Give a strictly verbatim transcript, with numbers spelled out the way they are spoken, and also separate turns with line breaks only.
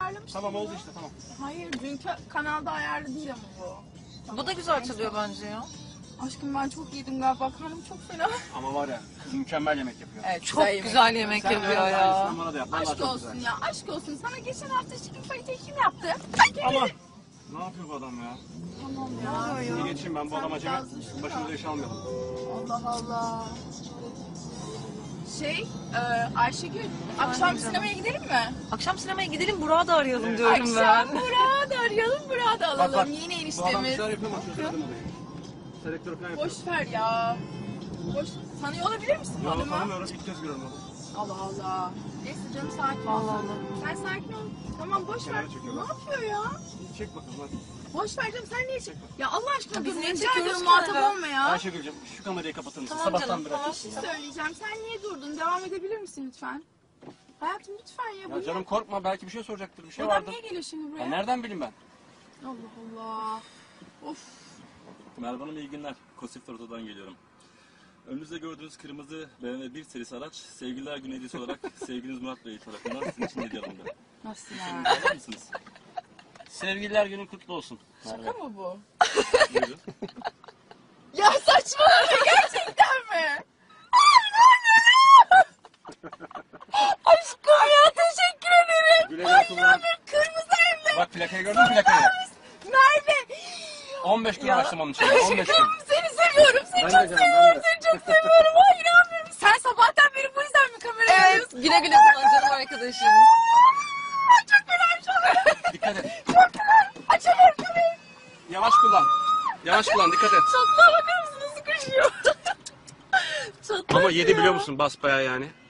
ayarlamıştım.
Tamam oldu işte tamam.
Hayır dünkü kanalda ayarlı değil ama bu. Tamam.
Bu da güzel çalıyor bence ya.
Aşkım ben çok yedim galiba. Karnım çok fena.
Ama var ya mükemmel yemek yapıyor.
Evet,
Çok güzel yemek,
yemek
Sen
yapıyor
biraz
ya.
aynısından bana da yap. Vallahi
Aşk
çok
olsun
güzel.
ya, aşk olsun. Sana geçen hafta chicken fight'i kim yaptı?
Ama ne yapıyor bu adam ya?
Tamam ya.
Şimdi geçeyim ben bu
Sen
adam acemi.
biraz düşün
Başımıza
da.
iş almayalım.
Allah Allah. Şey, e, Ayşegül, akşam
canım.
sinemaya gidelim mi?
Akşam sinemaya gidelim, Burak'ı da arayalım
Evet.
diyorum ben.
Akşam Burak'ı da arayalım, Burak'ı da alalım.
Bak bak.
Yeni
Bu adam bir
eniştemiz.
şeyler yapıyor mu? Çözemedim olayı. Selektör falan yapıyor.
Boş ver ya. Boş. Tanıyor olabilir misin bu
Ya
adamı?
tanımıyorum. İlk kez görüyorum onu.
Allah Allah. Neyse canım sakin ol.
Allah
sen. Sen sakin ol. Tamam boş ver.
Kenara çekiyor
Ne
bak.
yapıyor ya?
Çek bakalım hadi.
Boş ver canım sen niye çek? Ya Allah aşkına
Biz
dur.
niye
Rica
çekiyoruz
ediyorum
ki
muhatap
arada?
olma ya.
Ayşegül'cüm şu kamerayı kapatır mısın?
Tamam
Sabahtan
canım,
beri
tamam.
açıyorsun
Bir
ya.
şey söyleyeceğim. Sen niye durdun? Devam edebilir misin lütfen? Hayatım lütfen ya. Bu
Ya canım
ne?
korkma belki bir şey soracaktır. Bir şey
Bu adam
vardır.
niye geliyor şimdi buraya?
Ya nereden bileyim ben?
Allah Allah. Of.
Merhaba Hanım, iyi günler. Kosif Oto'dan geliyorum. Önünüzde gördüğünüz kırmızı B M W bir serisi araç, Sevgililer Günü hediyesi olarak sevgiliniz Murat Bey tarafından sizin için hediye alındı.
Nasıl
Şimdi
ya?
alır mısınız?
Sevgililer günü kutlu olsun.
Şaka mı bu?
Buyurun.
Ya saçmalama gerçekten mi? Aşkım ya teşekkür ederim.
Güle güle kullan.
Kırmızı evde.
Bak plakayı gördün mü plakayı?
Merve.
on beş gün uğraştım onun için. on beş gün.
Aşkım seni seviyorum. Seni
Ben de
çok
canım,
seviyorum.
ben de.
Seni çok seviyorum. Ay inanmıyorum. Sen sabahtan beri bu yüzden mi kamerayı
Evet,
alıyorsun?
güle güle kullan canım arkadaşım.
Ay çok fena çok.
Dikkat et.
Çok fena. Açamıyorum kamerayı.
Yavaş kullan. Yavaş kullan dikkat et.
Çatlağa bakar mısın nasıl koşuyor? Çatlak
Ama yedi
ya.
biliyor musun basbayağı yani.